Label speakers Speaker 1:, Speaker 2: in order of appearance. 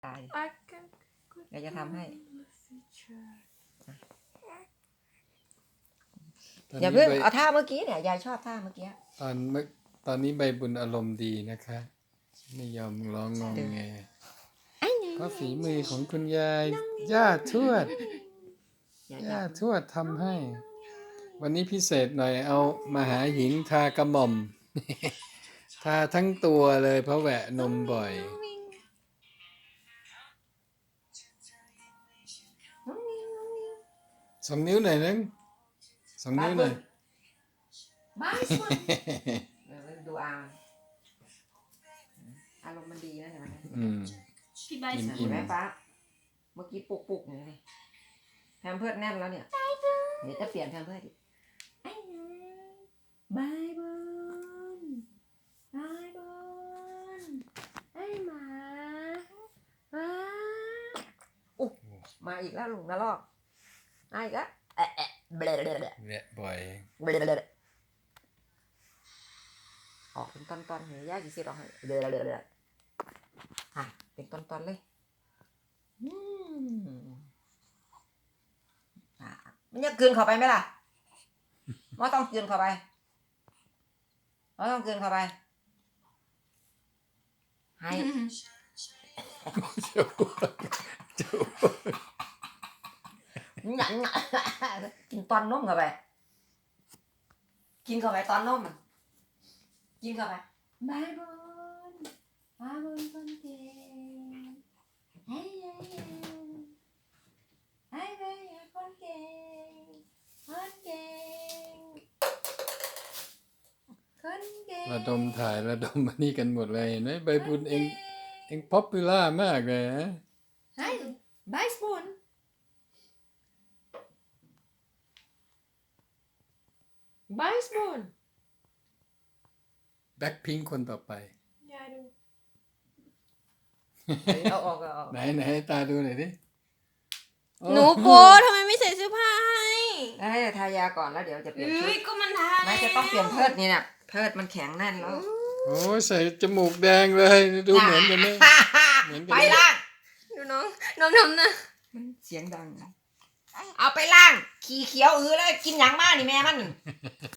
Speaker 1: ตายอยากจะทำให้อย่าเพิ่งเอาท่าเมื่อกี้เนี่ยยายชอบท่าเมื่อกี้
Speaker 2: ตอนนี้ใบบุญอารมณ์ดีนะคะไม่ยอมร้องงองแงเพราะฝีมือของคุณยายย่าทวดทำให้ วันนี้พิเศษหน่อยเอามาหาหญิงทากระหม่อม ทาทั้งตัวเลยเพราะแหวะนมบ่อย2 นิ้วหน่อยนึง2 นิ้วหน่อย
Speaker 1: บ้าดูอารมณ์มันดีนะเห็นไหม
Speaker 3: พี่ใบ
Speaker 1: เห็นไหมฟ้าเมื่อกี้ปุกอย่างนี้แพมเพิร์สแน่นแล้วเนี่ยเดี๋ยวจะเปลี่ยนแพมเพิร์สดิบายบอนบายบอนไอ้หมามาอีกแล้วลุงนะลอกมาอีกแล้ว
Speaker 2: แหวะบ่อย
Speaker 1: ออกเป็นตอนๆเห็นยากกี่สิออกให้ฮะเป็นตอนๆเลยมันจะกลืนเข้าไปไหมล่ะไม่ต้องกลืนเข้าไปไม่ต้องกลืนเข้าไปให้กินตอนนมเข้าไปกินเข้าไปตอนนมกินเข้าไปบายบอนบายบอนคนเก่งเฮ้ยเฮ้ยเฮ้ยคนเก่งคนเก่งคนเก่ง
Speaker 2: ระดมถ่ายระดมมานี่กันหมดเลยเห็นไหมใบบุญเองป๊อปปูล่ามากเลยนะ
Speaker 1: เฮ้ยบายสปูนบายสปูน
Speaker 2: แบ็คพิงค์คนต่อไป
Speaker 3: ยายดู
Speaker 1: เอาออก
Speaker 2: ไหนตาดูหน่อยดิ
Speaker 3: หนูโป๊ทำไมไม่ใส่เสื้อผ้าให้
Speaker 1: ให้ทายาก่อนแล้วเดี๋ยวจะเปลี่ยนชุด
Speaker 3: ก็มันทา
Speaker 1: ไม่จะต้องเปลี่ยนเพิดนี่เนี่ยเพิดมันแข็งแน่นแล้ว
Speaker 2: โอ้ใส่จมูกแดงเลยดูเหมือนกันไหม
Speaker 1: ไปล่าง
Speaker 3: ดูน้องทำนะ
Speaker 1: มันเสียงดังเอาไปล่างขี่เขียวแล้วกินหยังมากนี่แม่มัน